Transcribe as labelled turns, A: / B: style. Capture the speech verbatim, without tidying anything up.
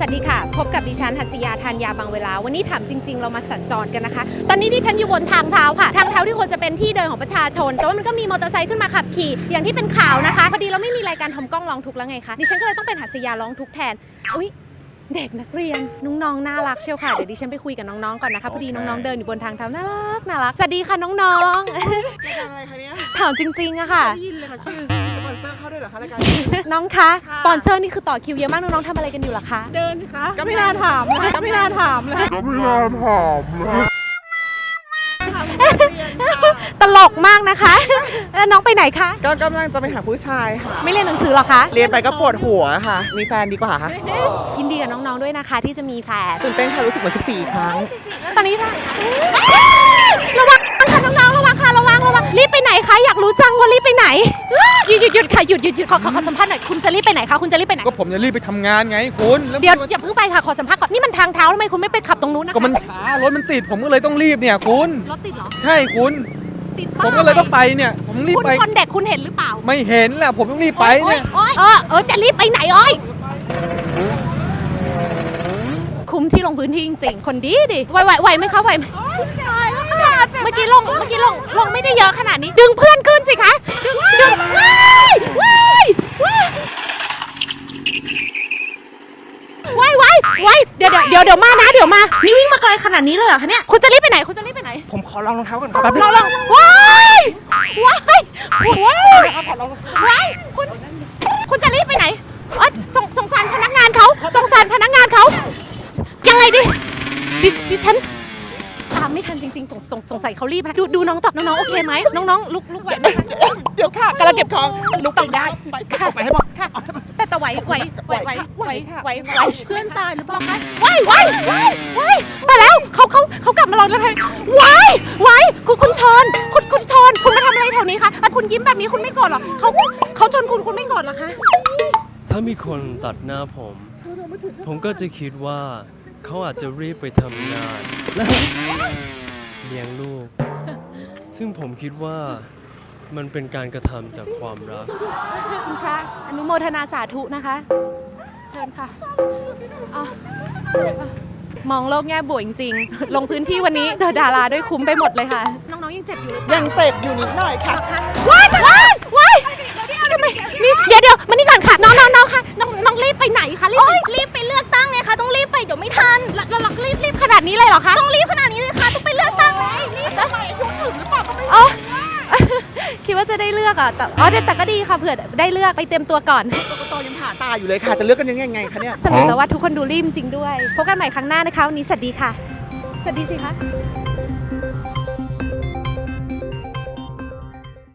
A: วัสดีค่ะพบกับดิฉันหัสยาธัญญาบางเวลาวันนี้ถามจริงๆเรามาสัญจรกันนะคะตอนนี้ดิฉันอยู่บนทางเท้าค่ะทางเท้าที่ควรจะเป็นที่เดินของประชาชนแต่ว่ามันก็มีมอเตอร์ไซค์ขึ้นมาขับขี่อย่างที่เป็นข่าวนะคะพอดีเราไม่มีรายการทำกล้องร้องทุกข์แล้วไงคะดิฉันก็เลยต้องเป็นหัสยาร้องทุกข์แทนอุ๊ยเด็กนักเรียนน้องๆน่ารักเชียวค่ะเดี๋ยวดิฉันไปคุยกับน้องๆก่อนนะคะพอดีน้องๆเดินอยู่บนทางเท้าน่ารักน่ารักสวัสดีค่ะน้องๆ
B: รายการอะไรคะเนี่ย
A: ถามจริงๆอะค่ะ
B: ได้ยินเลยค่ะชื่อสปอนเซอร์เข้าด้วยเหรอคะรายการ
A: น้องคะสปอนเซอร์นี่คือต่อคิวเยอะมากน้องๆทำอะไรกันอยู่ล่ะคะ
C: เดินสิคะ
B: ก็ไม่น่าถามเลยก็ไม่น่าถามเลย
D: ก็ไม่น่าถามเลย
A: ตลกมากนะคะแล้วน้องไปไหนคะ
B: ก็กำลังจะไปหาผู้ชายค่ะ
A: ไม่เรียนหนังสือหรอคะ
B: เรียนไปก็ปวดหัวค่ะ มีแฟนดีกว่าค่ะ
A: ยินดีกับน้องๆด้วยนะคะที่จะมีแฟน
B: ตื่นเต้นค่ะรู้สึกเหมือนสิบสี่ครั้ง
A: ตอนนี้ค่ะระวังค่ะน้องๆระวังค่ะระวังระวังรีบไปไหนคะอยากรู้จังว่ารีบไปไหนหยุดหยุดหยุดค่ะหยุดหยุดหยุดขอขอขอสัมภาษณ์หน่อยคุณจะรีบไปไหนคะคุณจะรีบไปไหน
D: ก็ผมจะรีบไปทำงานไงคุณแล้ว
A: เดี๋ยวอย่าเพิ่งไปค่ะขอสัมภาษณ์ก่อนนี่มันทางเท้าทำไมคุณไม่ไปขับตรงนู้นนะคะ
D: ก็มันช้ารถมันติดผมก็เลยต้องรีบเนี่ยคุณ
A: รถติดเหรอ
D: ใช่คุณ
A: ติด
D: ผมก็เลยต้องไปเนี่ยผมรีบ
A: คุณ
D: ไป
A: ชนเด็กคุณเห็นหรือเปล่า
D: ไม่เห็นแหละผมต้องรีบไปเนี่ย
A: โอ๊ยโอ๊ยเออเออจะรีบไปไหนโอ้ยคุ้มที่ลงพื้นที่จริงๆคนดีดิไหวไหวไหวไหมคะไหวไหมเมื่อกี้ลงเมื่อกี้ลงลงไม่ได้เยอะขนาดนี้ดึงเพื่อนขึ้นสิคะดึงดึงว้ายว้ายว้ายว้ายว้ายว้ายเดี๋ยวเดี๋ยวเดี๋ยวเดี๋ยวมานะเดี๋ยวมานี่วิ่งมาไกลขนาดนี้เลยเหรอคะเนี่ยคุณจะรีบไปไหนคุณจะรีบไปไหน
B: ผมขอลองรองเท้าก่อนครับแป๊บนึ
A: เรา
B: ง
A: ลองว้ายว้ายว้ายว้ายคุณคุณจะรีบไปไหนเออสงสงสารพนักงานเขาสงสารพนักงานเขายังไงดิดิดิฉันตามไม่ทันจริงๆสงสงสงสัยเขารีบนะดูดูน้องตอบน้องๆโอเคไหมน้องๆลุกลุกไหวไหมคะ
B: เดี๋ยวค่ะกำลังเก็บของลุกไปได้ไปก็ไปให้หมด
A: ค่ะแต่แต่ไหวไหวไหวไหวไหวไหวไหว
C: เพื่อนตายหรือเปล่าคะ
A: ไหวไหวไหวไหวแต่แล้วเขาเขาเขากลับมาลองแล้วไงไหวไหวคุณคุณชนคุณคุณชนคุณมาทำอะไรแถวนี้คะอ่ะคุณยิ้มแบบนี้คุณไม่โกรธหรอเขาเขาชนคุณคุณไม่โกรธหรอคะ
E: ถ้ามีคนตัดหน้าผม ผมก็จะคิดว่าเขาอาจจะรีบไปทำงานและเลี้ยงลูก ซึ่งผมคิดว่ามันเป็นการกระทำจากความรัก
A: คุณพระอนุโมทนาสาธุนะคะ เชิญค่ะอ่ะมองโลกแง่บวกจริงๆ ลงพื้นที่วันนี้เจอดาราด้วยคุ้มไปหมดเลยค่ะ น้องๆยังเจ็บอยู่หรือเปล่า
B: ยังเจ็บอยู่นิดหน่อยค่ะ
A: ว้ายว้ายว้ายทำไมนี่เดี๋ยวเดี๋ยวมานี่ก่อนค่ะ น้องน้องน้องค่ะ น้องน้องรีบไปไหนคะรีบไป
C: รีบไปเลือกตั้งไงคะต้องรีบไปเดี๋ยวไม่ทัน
A: แล้วแล้วเรารีบรีบขนาดนี้เลยเหรอคะ
C: ต้องรีบขนาดนี้เลยค่ะต้องไปเลือกตั้งเลย
A: อ๋อ คิดว่าจะได้เลือกอ่ะแต่อ๋อแต่แต่ก็ดีค่ะเผื่อได้เลือกไปเตรียมตัวก่อน
B: กกตยังผ่าตาอยู่เลยค่ะ จะเลือกกันยังไงคะเนี่ย
A: สรุปแล้วว่าทุกคนดูรีบจริงด้วย พบกันใหม่ครั้งหน้านะคะวันนี้สวัสดีค่ะ สวัสดีสิคะ